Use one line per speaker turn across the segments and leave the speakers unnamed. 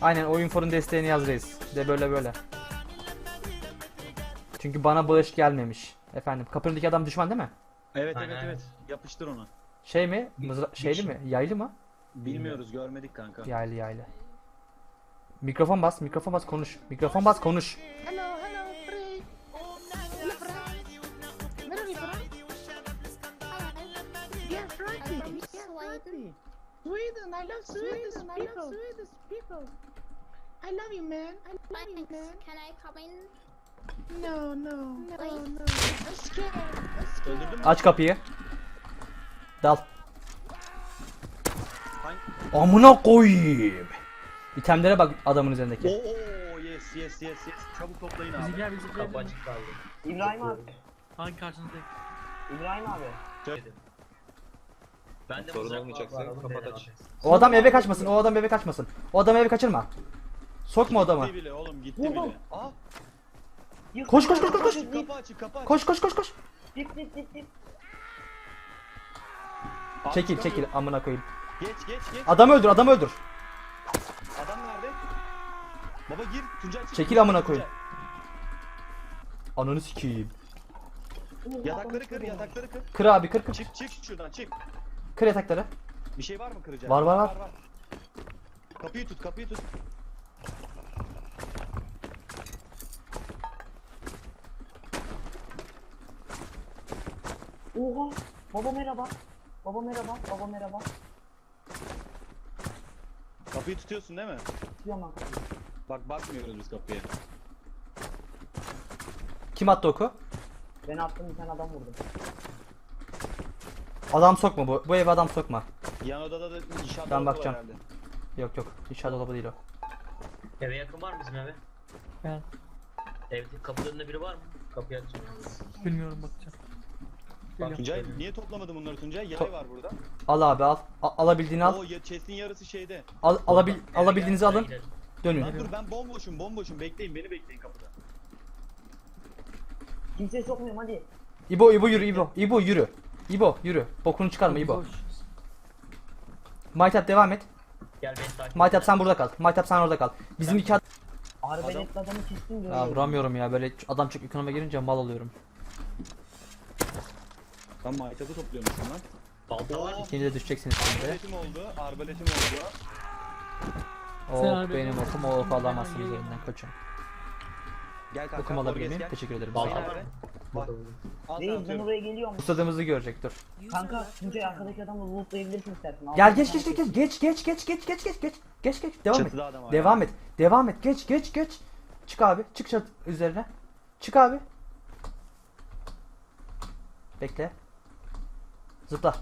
Aynen oyun forun desteğini yaz reis. De böyle böyle. Çünkü bana bağış gelmemiş. Efendim kapının adam düşman değil mi?
Evet
Aynen,
evet
aynen.
evet. Yapıştır onu.
Şey mi? Şeyli
kişi.
mi? Yaylı mı?
Bilmiyoruz, görmedik kanka.
Yaylı yaylı. Mikrofon bas, mikrofon bas konuş. Mikrofon bas konuş.
Hello, hello, Free. Hello, Frank. Where are you from? Yeah, Frankie.
I'm from
Yeah,
Sweden.
Frankie. Sweden. I love Swedish people. Swedish people. I love you, man. I love you,
Thanks.
man.
Can I come in?
No, no, no,
Please.
no. I'm scared. I'm scared.
Öldürdün mü?
Aç kapıyı. Dal.
Hangi-
Amına koyayım. İtemlere bak adamın üzerindeki.
Oo yes yes yes yes. Çabuk toplayın abi.
Bizimkiler bizimkiler.
Kapı açık kaldı.
İbrahim abi.
Hangi karşınızdayım?
İbrahim abi.
Dedim. Ben de
Sorun
mızrak
olmayacaksa
var, alalım,
kapat
dedim
aç.
abi.
O adam eve kaçmasın. O adam eve kaçmasın. O adamı eve kaçırma. Sokma o adamı.
Gitti bile oğlum gitti
Vurdum.
bile. Aa
Koş koş koş koş koş.
kapı açık kapı açık.
Koş koş koş koş.
Dip dip dip dip.
Abi
Çekil
çıkamıyor.
çekil amına koyayım.
Geç geç geç.
Adamı öldür adamı öldür.
Adam nerede? Baba gir Tuncay çık.
Çekil amına koyayım. Ananı sikeyim.
Yatakları kır yatakları kır.
Kır abi kır kır.
Çık çık şuradan çık.
Kır yatakları.
Bir şey var mı kıracak?
Var, var, var.
Kapıyı tut kapıyı tut.
Oha. Baba merhaba. Baba merhaba. Baba merhaba.
Kapıyı tutuyorsun değil mi?
Tutuyorum lan kapıyı.
Bak bakmıyoruz biz kapıya.
Kim attı oku?
Ben attım bir tane adam vurdum.
Adam sokma bu. Bu eve adam sokma.
Yan odada da inşaat
Ben
dolabı
bakacağım.
var herhalde.
Yok yok. İnşaat dolabı değil o.
Eve yakın var mı bizim eve?
Ben
Evde kapının önünde biri var mı? Kapıyı açacağım.
bilmiyorum bakacağım. Geliyorum.
Tuncay niye toplamadın bunları Tuncay? Yay
To-
var burada.
Al abi al. Alabildiğini al.
Oo ya chest'in yarısı şeyde.
Alabildiğinizi
Eve
alın.
gidelim.
Dönün.
Lan dur ben bomboşum bekleyin beni bekleyin kapıda.
Kimseye sokmuyorum hadi.
İbo yürü İbo. İbo yürü. İbo yürü. Bokunu çıkarma İbo.
Boş.
Maytap devam et.
Gel beni takip et.
Maytap sen burada kal. Maytap sen orada kal. Bizim iki adam...
Arbeletli adamı kestim diyor.
Ya vuramıyorum ya böyle adam çok ekonomiye girince mal oluyorum.
Ben maytabı topluyormuşum lan.
Balta var mı?
İkinci de düşeceksiniz şimdi.
Arbaletim oldu.
Oh
abi-
benim okum o oku alamazsınız elimden koçum.
Gel kanka.
Okum alabilir
Borges
miyim?
gel.
Teşekkür ederim.
Balta
Sağ ol.
var mı? Burada buldum.
Al sana
Reis ben
atıyorum.
oraya geliyorum.
Ustadığımızı görecek dur.
Kanka Tuncay arkadaki adamı lootlayabilirsin istersen. Al.
Gel geç geç geç geç geç geç geç geç geç geç geç geç devam et.
Çatıda adam var
Devam
ya.
et. Devam et. Geç geç geç. Çık abi. Çık çat üzerine. Çık abi. Bekle. Zıpla.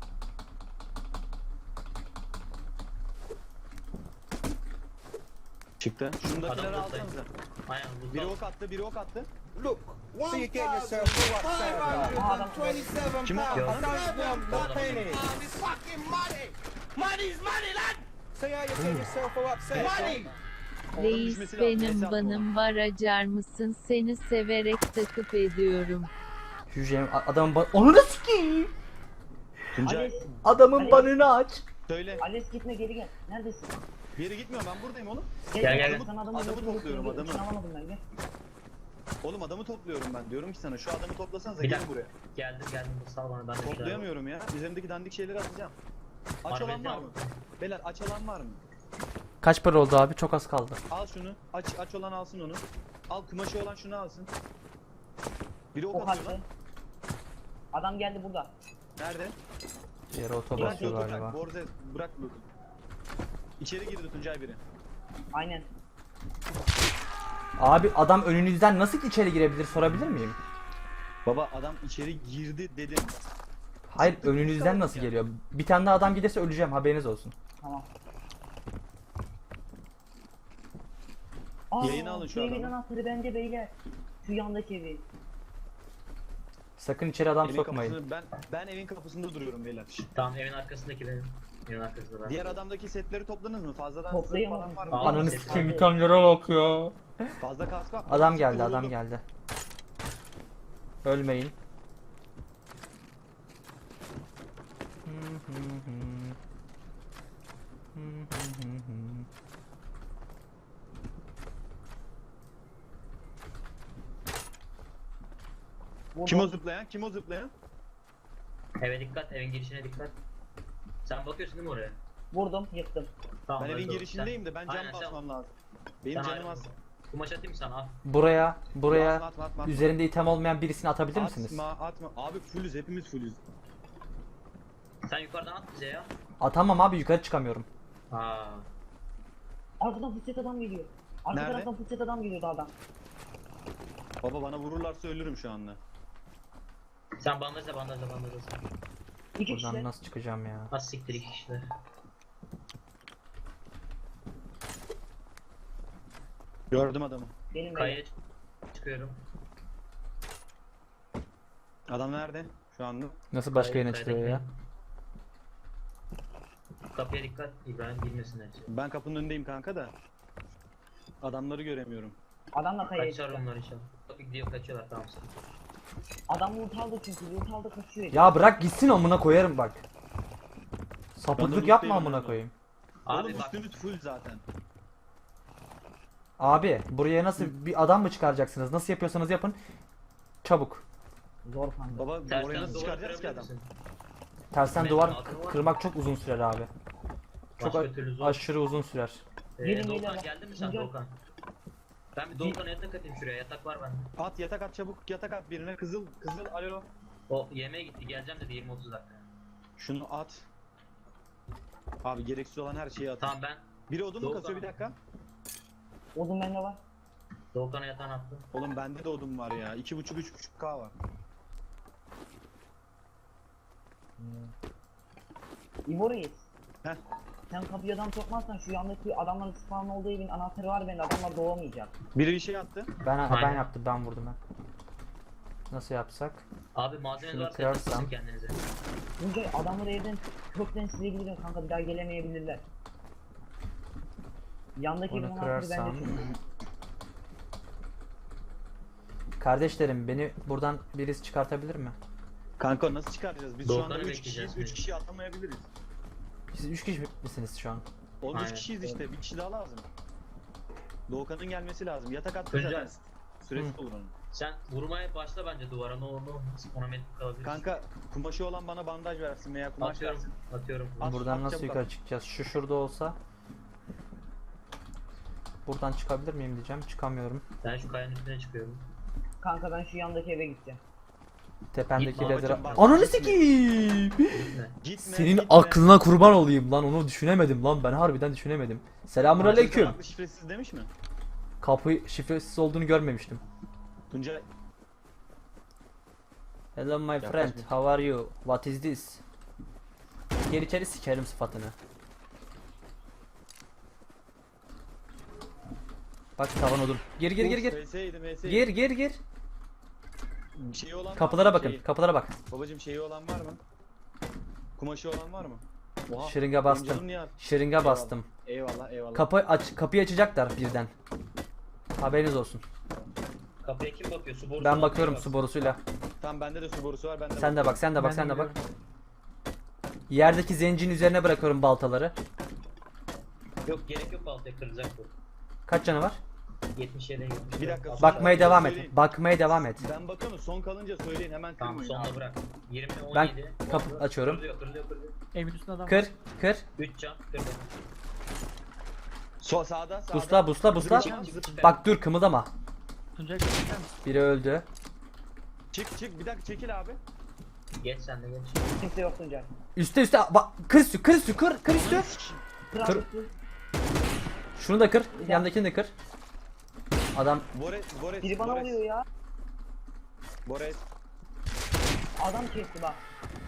Çıktı. Şundakileri
Adam
alsanıza.
Aynen bu
Biri ok attı, biri ok attı.
Look, so you get yourself
Adam
527
Kim o?
pounds. I
Yo.
don't want
Yo.
no penny. It's fucking money. Money's money, lad. See how you get yourself all upset. Money.
Oğlum
Reis
düşmesi lazım,
benim
hesap
banım var acar mısın seni severek takip ediyorum.
Hücrem adamın Onunu sikeyim.
Tuncay
Ales,
Adamın
Ali-
banını aç.
söyle.
Ales gitme geri gel. Neredesin?
Bir yere gitmiyorum ben buradayım oğlum.
Gel.
Sana adamı
Adamı topluyorum, adamı.
İçine alamadım ben gel.
Oğlum adamı topluyorum ben. Diyorum ki sana şu adamı toplasanıza
Bir
gelin
dakika.
buraya.
Geldim sağ bana ben de bir şeyler-
Toplayamıyorum ya. Üzerimdeki dandik şeyleri atacağım. Aç
Harbi
olan var
ya.
mı? Beyler aç alan var mı?
Kaç para oldu abi? Çok az kaldı.
Al şunu. Aç olan alsın onu. Al kumaşı olan şunu alsın. Biri ok
Ok
atıyor
attı.
lan.
Adam geldi burada.
Nerede?
Yere oto
Bırak
basıyor
loot'u
galiba.
bırak. Borze bırak loot'u. İçeri girdi Tuncay biri.
Aynen.
Abi adam önünüzden nasıl içeri girebilir sorabilir miyim?
Baba adam içeri girdi dedim.
Hayır
Çıktı,
önünüzden
çıktı
nasıl
ya.
geliyor? Bir tane daha adam gelirse öleceğim haberiniz olsun.
Tamam.
Yayını alın şu
evin
adamı.
anahtarı bende beyler. Şu yandaki evi.
Sakın içeri adam
Evin
sokmayın.
kapısını, ben evin kapısında duruyorum beyler.
Tamam evin arkasındaki benim. Evin arkasında ben.
Diğer adamdaki setleri topladınız mı? Fazladan
Toplayamadım.
falan var mı?
Aa,
Ananı
ses
sikeyim
var.
bir tane yere bak ya.
Fazla kask var.
Adam geldi adam
Vuruldum.
geldi. Ölmeyin.
Vurdum.
Kim o zıplayan? Kim o zıplayan?
Eve dikkat, evin girişine dikkat. Sen bakıyorsun değil mi oraya?
Vurdum, yıktım.
Tamam,
Ben evin
öldü o.
girişindeyim de ben
Aynen,
cam
sen-
basmam lazım. Benim
sen
canım
ayrı-
az.
Kumaş atayım sana al.
Buraya
Atma.
üzerinde item olmayan birisini atabilir misiniz?
Atma. Abi fullüz, hepimiz fullüz.
Sen yukarıdan at bize ya.
Atamam abi, yukarı çıkamıyorum.
Aa.
Arkadan fıçet adam geliyor. Arka
Nerede?
taraftan fıçet adam geliyor dağdan.
Baba bana vururlarsa ölürüm şu anda.
Sen bandajla.
2
Buradan
kişi.
nasıl çıkacağım ya?
Az siktir 2 kişiler.
Gördüm adamı.
Benim
Kayaya
benim.
çıkıyorum.
Adam nerede? Şu anda.
Nasıl başka
Kayaya-
yerine çıkıyor ya?
Kapıya dikkat, İbrahim girmesinler içeri.
Ben kapının önündeyim kanka da. Adamları göremiyorum.
Adamla kayaya
Kaçar
çıktı.
onlar inşallah. Kapı gidiyor, kaçıyorlar, tamam sen.
Adam loot aldı çünkü loot aldı kaçıyor.
Ya bırak gitsin, amına koyarım bak.
Ben
Sapıklık
de
yapma
loot'tayım
amına
herhalde.
koyayım.
Abi
Oğlum
bak,
üstünüz full zaten.
Abi buraya nasıl bir adam mı çıkaracaksınız? Nasıl yapıyorsanız yapın. Çabuk.
Zor kanka.
Baba oraya
tersten
nasıl
duvar
çıkaracağız ki
kırabilir
adam?
misin?
Tersten
Benim
duvar
altım var.
kırmak çok uzun sürer abi. Çok
Başka türlü zor.
aşırı uzun sürer.
Gelin,
Doğukan
gelin.
geldin mi sen
Gel.
Doğukan? Ben bir Doğukan'a yatak atayım şuraya, yatak var bende.
At yatak at çabuk, yatak at birine, kızıl alo.
O yemeğe gitti, geleceğim dedi 20-30 dakika.
Şunu at. Abi gereksiz olan her şeyi at.
Tamam, ben
Biri odun mu
Doğukan.
kasıyor, bir dakika?
Odun bende var.
Doğukan'a yatağını attım.
Oğlum bende de odun var ya. 2,5-3,5K var.
İbo Reis.
Heh.
Sen kapıya adam sokmazsan şu yandaki adamların spawn olduğu evin anahtarı var bende, adamlar doğamayacak.
Biri bir şey attı.
Ben
Aynen.
yaptım, ben vurdum ben. Nasıl yapsak?
Abi malzemeniz
Şunu
varsa
kırarsam.
yatak kendinize.
Çünkü adamları evden kökten silebilirim kanka, bir daha gelemeyebilirler. Yandaki evin
Bunu
anahtarı
kırarsam.
bende çünkü.
Kardeşlerim, beni buradan birisi çıkartabilir mi?
Kanka nasıl çıkaracağız? Biz şu
Doğukan'ı
anda 3
bekleyeceğiz
kişiyiz. 3
biz.
kişi atamayabiliriz.
Siz 3 kişi misiniz şu an?
Oğlum 3
Aynen.
kişiyiz işte. Bir kişi daha lazım. Doğukan'ın gelmesi lazım. Yatak attı
Tuncay.
zaten. Süresi olur onun.
Sen vurmaya başla bence duvara, ne olur ne olmaz. Ona metrik kalabilir.
Kanka kumaşı olan bana bandaj versin veya kumaş
atıyorum,
versin.
atıyorum.
At,
Buradan
at,
nasıl
çabuk
yukarı
at.
çıkacağız? Şu şurada olsa. Buradan çıkabilir miyim diyeceğim. Çıkamıyorum.
Ben şu kayanın üstüne çıkıyorum.
Kanka ben şu yandaki eve gideceğim.
Tependeki
Gitme
lazeri...
babacım, bak.
Ananı sikeyim!
Gitme.
Gitme,
Senin
gitme.
aklına kurban olayım lan, onu düşünemedim lan, ben harbiden düşünemedim. Selamünaleyküm.
Farklı şifresiz demiş mi?
Kapı şifresiz olduğunu görmemiştim.
Tuncay
Hello my
Yaklaş
friend,
bir.
how are you? What is this? Gel içeri, sikerim sıfatını. Bak tavan odun. Gir gir gir gir.
VS'ydi.
Gir gir.
Şeyi olan var
Kapılara
mı?
bakın,
Şeyi.
kapılara bak.
Babacım şeyi olan var mı? Kumaşı olan var mı? Oha.
Şırınga
benim
bastım.
canım niye-
Şırınga bastım.
Eyvallah.
Kapıyı açacaklar birden. Haberiniz olsun.
Kapıya kim bakıyor? Su borusu
Ben
olan
bakıyorum
biri
su
baksın.
borusuyla.
Tamam bende de su borusu var.
Sen de bak, sen de bak,
Ben
sen de bak.
gidiyorum.
Yerdeki zencinin üzerine bırakıyorum baltaları.
Yok, gerek yok, baltaya kırılacak bu.
Kaç canı var?
77 70.
Bir dakika,
Bakmaya devam
söyleyin.
et. Bakmaya devam et.
Ben bakıyorum, son kalınca söyleyin, hemen
Tamam,
kırmayın.
sonuna bırak. 20
Ben
17.
kapı
oldu.
açıyorum.
Kırılıyor.
Evin üstünde adam var.
Kır, kır.
3 can kırdı.
Sağda.
Busla.
Zıp.
Bak dur, kımıldama.
Tuncay çeker misin?
Biri öldü.
Çık, bir dakika çekil abi.
Geç sen de geç.
Kimse yok Tuncay.
Üste bak, kır üstü. Kır üstü.
Kral
Kır.
üstü.
Şunu da kır. Yandakini de kır. Adam
Bores.
Biri bana vuruyor ya.
Bores.
Adam kesti bak.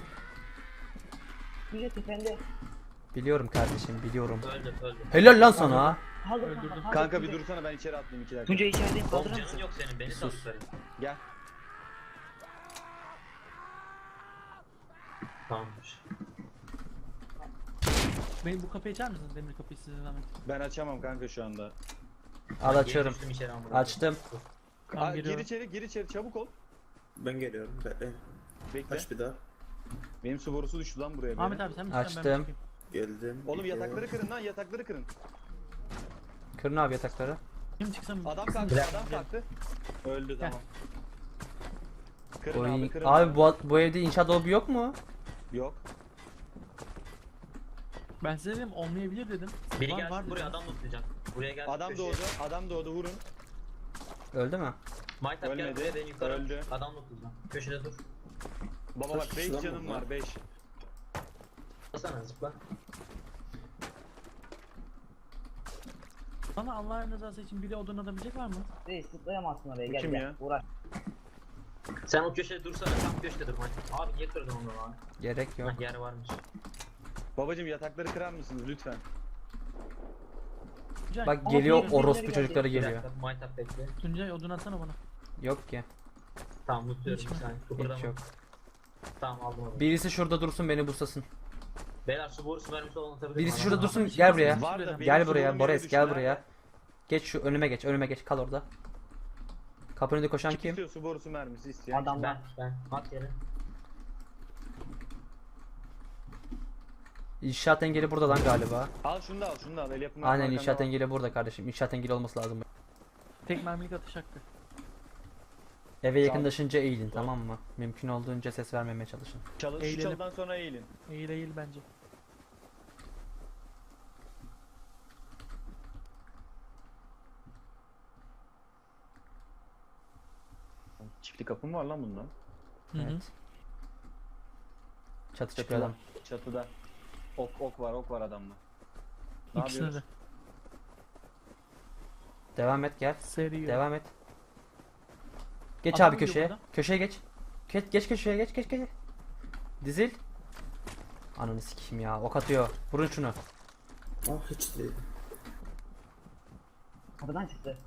Tuncay tepende.
biliyorum kardeşim, biliyorum.
Öldü.
Helal lan sana.
Kaldır
Öldürdüm.
kaldır
Kanka bir
Tuncay.
dursana, ben içeri atlayayım 2 dakika.
Tuncay içerideyim,
Oğlum
kaldırır
canın
mısın?
yok senin, beni sal
Sus.
yukarı.
Gel.
Tamamdır.
Beni bu kapıyı açar mısınız? Demir kapıyı size zahmet.
Ben açamam kanka şu anda.
Al,
Geri
açıyorum.
düştüm içeri ama.
Açtım.
Tamam,
Gir
geliyorum.
içeri çabuk ol.
Ben geliyorum. Bekle.
Bekle.
Aç bir daha.
Benim su borusu düştü lan buraya.
Ahmet
benim.
abi sen misin?
Açtım.
Ben bakayım.
Geldim.
Oğlum
İki.
yatakları kırın lan, yatakları kırın.
Kırın abi yatakları.
Kim çıksam?
Adam kalktı. Öldü,
Gel.
tamam. Kırın
Oy.
abi kırın.
Abi bu evde inşaat dolabı yok mu?
Yok.
Ben size dedim olmayabilir dedim.
Biri
Var,
gelsin
var
buraya
dedim.
adam tutacağım. Buraya gelsin.
Adam
köşeye.
doğdu. Adam doğdu vurun.
Öldü mü?
Maytap gel
Ölmedi,
buraya ben yukarı.
öldü.
Adam tutacağım. Köşede dur.
Baba
Kaç
bak 5
kişi lan
canım
bunlar?
var 5.
Basana zıpla.
Bana Allah'ın rızası için biri odun atabilecek var mı?
Reis zıplayamazsın oraya
Bu
gel
kim
gel.
ya?
Uğraş.
Sen o köşede dursana. Tam köşede dur Maytap. Abi niye kırdın onu lan?
Gerek yok.
Hah yer varmış.
Babacım yatakları kırar mısınız lütfen?
Tuncay,
Bak
Ama
geliyor
birileri
orospu
geldi.
çocukları
Bir
geliyor.
dakika Maytap bekle.
Tuncay odun atsana bana.
Yok ki.
Tamam mutuyorum
Hiç
bir
mi?
saniye.
Hiç
Kıpırdama.
yok.
Tamam aldım onu.
Birisi şurada dursun beni buslasın.
Beyler su borusu mermisi olan atabilir
Birisi
mi?
şurada
Aa,
dursun
hiç
gel
yok.
buraya.
Var da benim
Gel
sorunum
buraya
yere
Boris
düştü,
gel
nerede?
buraya. Geç şu önüme geç kal orada. Kapının önünde koşan
Kim
kim?
istiyor su borusu mermisi isteyen?
Adamlar.
Ben. At yere.
İnşaat engeli burada lan galiba.
Al şunu da al şunu da al. El yapımı
Aynen
arkanda
inşaat
var.
engeli burada kardeşim. İnşaat engeli olması lazım.
Tek mermilik atış hakkı.
Eve yakınlaşınca eğilin tamam mı? Mümkün olduğunca ses vermemeye çalışın.
Şu
Eğilelim.
çalıdan sonra eğilin.
Eğil eğil bence.
Çiftlik kapı mı var lan bunda?
Hı hı.
Evet. Çatı çıkıyor adam.
Çatıda. Ok var adamla. Ne
İkisine de.
yapıyoruz?
Devam et gel.
Seri.
Devam et. Geç
Adam
abi
uyuyor
köşeye.
burada.
Köşeye geç. Geç köşeye geç. Dizil. Ananı sikeyim ya. Ok atıyor. Vurun şunu.
Ah hiç değil.
Kapıdan çıktı.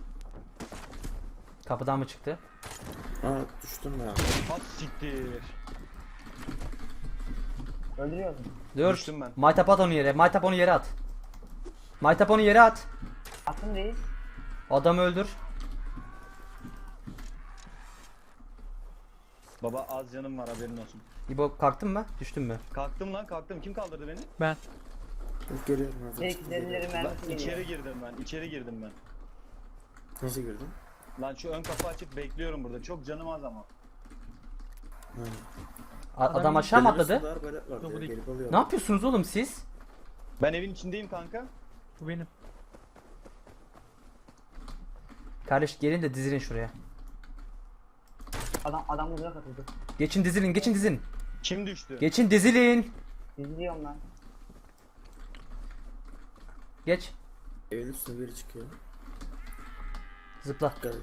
Kapıdan mı çıktı?
Aa düştüm ya.
At siktir.
Öldürüyorsun.
Dur.
Düştüm ben.
Maytap at onu yere. Maytap onu yere at. Maytap onu yere at.
Attın reis.
Adamı öldür.
Baba az canım var haberin olsun.
İbo kalktın mı? Düştün mü?
Kalktım lan kalktım. Kim kaldırdı beni?
Ben.
Of geliyorum hazır.
Reis derileri mermisi
Lan,
geliyor.
içeri girdim ben.
Nasıl girdin?
Lan şu ön kapı açık bekliyorum burada. Çok canım az ama.
Ha.
Adam aşağı mı atladı?
Sular böyle var
Yok, bu
ya,
değil.
gelip alıyorum.
Ne yapıyorsunuz oğlum siz?
Ben evin içindeyim kanka.
Bu benim.
Kardeş gelin de dizilin şuraya.
Adam uzaya katıldı.
Geçin dizilin.
Kim düştü?
Geçin dizilin.
İzliyorum lan.
Geç.
Evin üstüne biri çıkıyor.
Zıpla.
Geldim.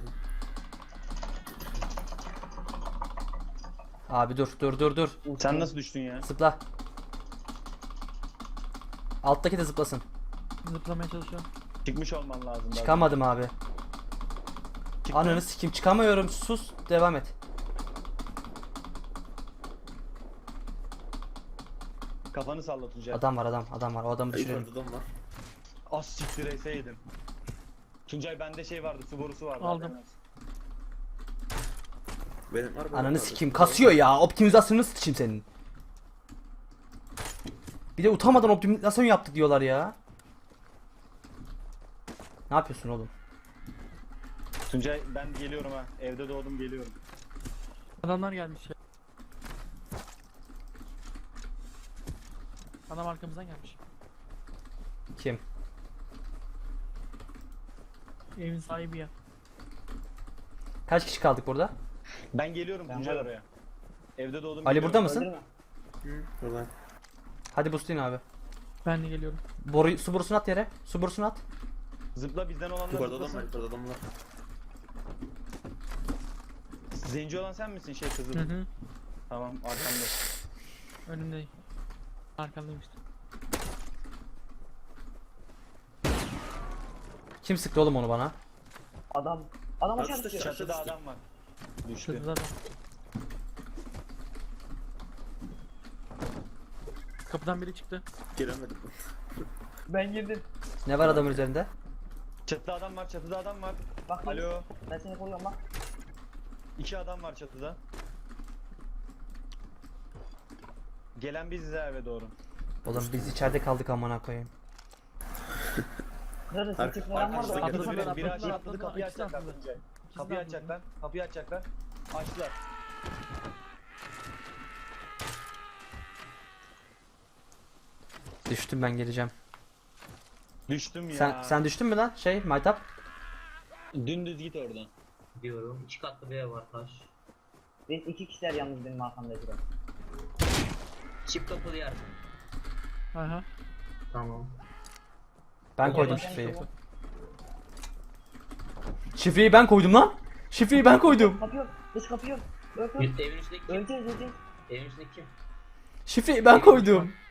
Abi dur.
Sen nasıl düştün ya?
Zıpla. Alttaki de zıplasın.
Zıplamaya çalışıyorum.
Çıkmış olman lazım. daha.
Çıkamadım abi.
Çıktın.
Ananı sikim çıkamıyorum. Sus. Devam et.
Kafanı salla Tuncay.
Adam var. O adamı düşürelim.
Yukarıda adam var.
Az siktir eseydin. Tuncay bende şey vardı, su borusu vardı.
Aldım.
haberin olsun.
Benim var.
Ananı sikim kasıyor ya. Optimizasyonunu sıçayım senin. Bir de utanmadan optimizasyon yaptık diyorlar ya. Ne yapıyorsun oğlum?
Tuncay ben geliyorum ha. Evde doğdum geliyorum.
Adamlar gelmiş ya. Adam arkamızdan gelmiş.
Kim?
Evin sahibi ya.
Kaç kişi kaldık burada?
Ben geliyorum
Ben
Tuncay
varım.
oraya. Evde doğdum
Ali
geliyorum.
burada mısın?
Öldürme.
Buradan.
Hadi boostlayın abi.
Ben de geliyorum.
Su borusunu at yere. Su borusunu at.
Zıpla bizden olanlar
Yukarıda adam var.
zıplasın.
Yukarıda adam var.
Zenci olan sen misin şey kızı?
Hı hı.
Tamam arkamda.
Önümdeyim. Arkamdayım işte.
Kim sıktı oğlum onu bana?
Adam aşağı
Üstte
düşüyor.
Çatıda adam var. Düştü.
Çatıda adam. Kapıdan biri çıktı.
Giremedim.
Ben girdim.
Ne var adamın üzerinde?
Çatıda adam var, çatıda adam var.
Bak
Alo.
ben seni koruyorum bak.
2 adam var çatıda. Gelen biziz ha eve doğru.
Oğlum biz içeride kaldık amına koyayım.
Kırarız. Sekiz falan var da.
Arkadaşlar
atladılar,
biri
atladılar,
aşağı atladı
atladılar,
kapıyı
ikisi
açacaklar
atladı.
Tuncay.
İkisi
Kapıyı
atladı.
açacaklar. Kapıyı açacaklar. Açtılar.
Düştüm, ben geleceğim.
Düştüm ya.
Sen düştün mü lan? Maytap.
Dümdüz git oradan.
Diyorum. 2 katlı bir ev var taş.
Biz 2 kişiler yalnız benim arkamda duran.
Çift kapılı yer.
Aha.
Tamam.
Ben koydum
Gel,
şifreyi.
gel,
Şifreyi ben koydum lan. Şifreyi ben koydum.
Kapıyor. Dış kapıyor. Öl.
Evin üstündeki kim?
Öleceğiz.
Evin üstündeki kim?
Şifreyi ben koydum.